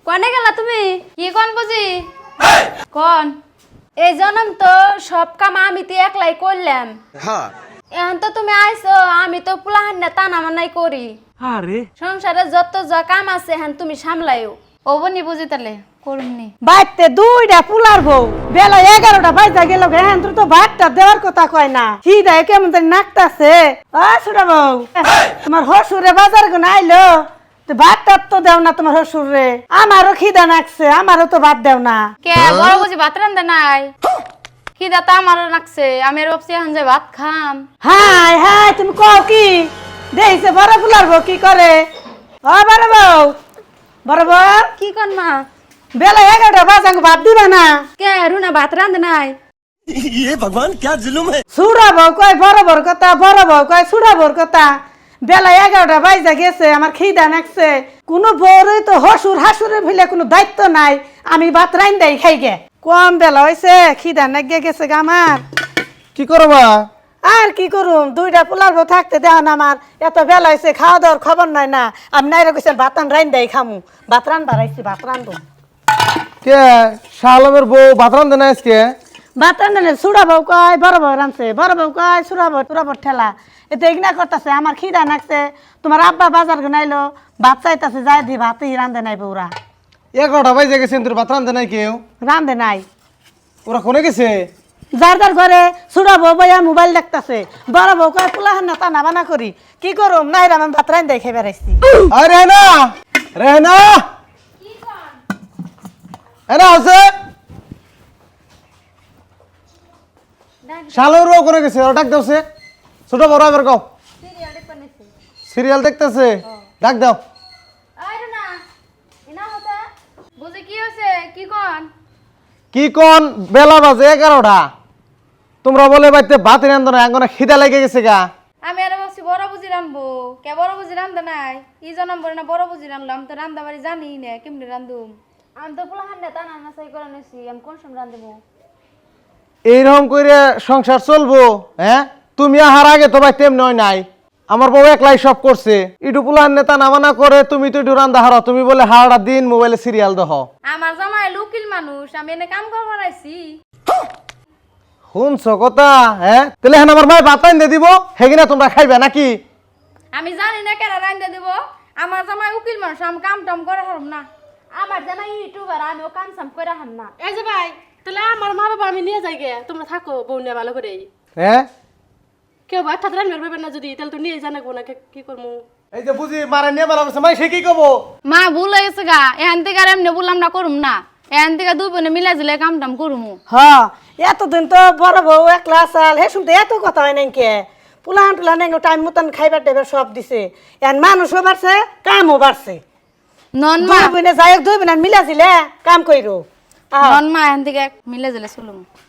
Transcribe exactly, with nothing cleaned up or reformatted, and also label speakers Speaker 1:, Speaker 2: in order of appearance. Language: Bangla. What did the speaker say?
Speaker 1: কোনে গেলা তুমি? কি কোন বুঝি? কোন? এই জন্ম তো সব কাম আমি তো একলাই করলাম। হ্যাঁ। এখন তো তুমি আইছো, আমি তো পুলাহান না টানা মানাই করি।
Speaker 2: আরে
Speaker 1: সংসারে যত যা কাম আছে এখন তুমি সামলাইও। ও বনি বুঝি তাহলে করুমনি।
Speaker 3: বাইতে দুইটা পুলার বউ বেলা এগারোটা বাজা গেল এখন তো ভাতটা দেওয়ার কথা কয় না খিদা কেমন জানি নাকতাছে। ও ছোট বউ তোমার হসুরে বাজার গুন আইলো তো ভাতটা তো দেও না তোমার হসুরে। আমারও খিদা নাকছে, আমারও তো ভাত দেও না।
Speaker 1: কে বড় বুঝি ভাত রান্ধে নাই? খিদা তো আমারও নাকছে, আমি আর ভাবছি এখন যে ভাত খাম।
Speaker 3: হাই হাই তুমি কও কি দেইছে বড় পুলার বউ কি করে? ও বড় বউ, বড় বউ
Speaker 1: কি কন মা?
Speaker 3: বেলা এগারোটা বাজাং ভাত দিবা না?
Speaker 1: কে রুনা ভাত রান্ধে নাই?
Speaker 2: ये भगवान क्या जुलुम है।
Speaker 3: সুড়া বউ কয় বড় বড় কথা, বড় বউ কয় সুড়া বড় কথা। বেলা এগারোটা বাজা গেছে, আমার খিদা নাকছে। কোনো বউরই তো হসুর হাসুরের ভিলে কোনো দায়িত্ব নাই, আমি ভাত রাইন দেই খাই গে। কম বেলা হয়েছে, খিদা নাগে গেছে গা আমার।
Speaker 2: কি করবা?
Speaker 3: আর কি করুম, দুইটা পোলার বউ থাকতে দেও না আমার। এত বেলা হয়েছে, খাওয়া দাওয়ার খবর নাই না। আমি নাইরা কইছেন ভাত রাইন দেই খামু, ভাত রান বাড়াইছি, ভাত রান্ধু।
Speaker 2: কে শালমের বউ ভাত রান্ধে না আজকে?
Speaker 3: ভাত রান্ধে সুড়া বউ কয় বড় বউ রান্ধছে, বড় বউ কয় সুড়া বউ সুড়া বউ ঠেলা। এতে ইগনা করতেছে, আমার খিদা নাকছে। তোমার আব্বা বাজার গুনাইলো, ভাত চাইতেছে, যাই দি ভাতই রান্ধে নাই বউরা।
Speaker 2: এগারোটা বাজে গেছেন, তোর ভাত রান্ধে নাই কেউ?
Speaker 3: রান্ধে নাই।
Speaker 2: ওরা কোনে গেছে?
Speaker 3: যার যার ঘরে সুড়া বউ বইয়া মোবাইল দেখতেছে, বড় বউ কয় পোলাহান না টানা বানা করি। কি করুম, নাইরা আমি ভাত রান্ধে খেয়ে বেড়াইছি।
Speaker 2: আরে রেহনা, রেহনা এনা আছে শালর বউ কোনে গেছে? ওরা ডাক দাওছে, ছোট বড় এবার কও। সিরিয়াল দেখতেছে, ডাক দাও।
Speaker 1: আই রুনা, ইনা হতা বুঝি কি হইছে? কি কোন?
Speaker 2: কি কোন? বেলা বাজে এগারোটা, তোমরা বলে বাইতে ভাত রান্ধো না, এখন খিদা লেগে গেছে গা।
Speaker 1: আমি আর ভাবছি বড় বুঝি রান্ধবো, কে বড় বুঝি রান্ধে নাই? ই জনম বলে না বড় বুঝি রান্ধলাম, তো রান্ধা বাড়ি জানি না কেমনে রান্ধুম। আমি তো পোলাহান না টানা না সাই করে নিছি, আমি কোন সময় রান্ধবো?
Speaker 2: এইরকম করে সংসার চলবো? হ্যাঁ, তুমি আহার আগে তো ভাই তেমনি হয় নাই। আমার বউ একলাই সব করছে, ইটু পুলার নেতা নামানা করে, তুমি তো ইটু রান্দা হারো, তুমি বলে হারাটা দিন মোবাইলে সিরিয়াল দেখো।
Speaker 1: আমার জামাই লুকিল মানুষ, আমি এনে কাম করবার আইছি।
Speaker 2: শুনছো কথা? হ্যাঁ, তাহলে হ্যাঁ আমার ভাই ভাত রান্ধে দিব, হেগিনা তোমরা খাইবে নাকি?
Speaker 1: আমি জানি না কেন রান্ধে দিব। আমার জামাই উকিল মানুষ, আমি কাম টাম করে হারম না। আমার জামাই ইউটিউবার, আমি ও কাম সাম করে হার না।
Speaker 4: এই যে ভাই, তাহলে আমার মা বাবা আমি নিয়ে যাই গে, তোমরা থাকো বউ নিয়ে ভালো করে।
Speaker 2: হ্যাঁ,
Speaker 4: কেউ ভাত ঠাত রান্নার পারবে না যদি, তাহলে তো নিয়ে জানাবো না, কি করবো?
Speaker 2: এই যে বুঝি মারা নিয়ে বেলা করছে, মাই সে কি কব?
Speaker 1: মা ভুল হয়ে গেছে গা, এখান থেকে আর এমনি বললাম না করুম না, এখান থেকে দুই বোনে মিলা জিলে কাম টাম করুমু।
Speaker 3: হ, এতদিন তো বড় বউ একলা আসাল, হে শুনতে এত কথা হয় নাই কে? পুলাহান টুলাহান টাইম মতন খাইবার টাইবার সব দিছে। এখন মানুষও বাড়ছে, কামও বাড়ছে।
Speaker 1: নন মা,
Speaker 3: দুই বোনে যাই হোক, দুই বোনে মিলা ছিলে কাম কইরো।
Speaker 1: নন মা এখান থেকে মিলে জিলে চলুম।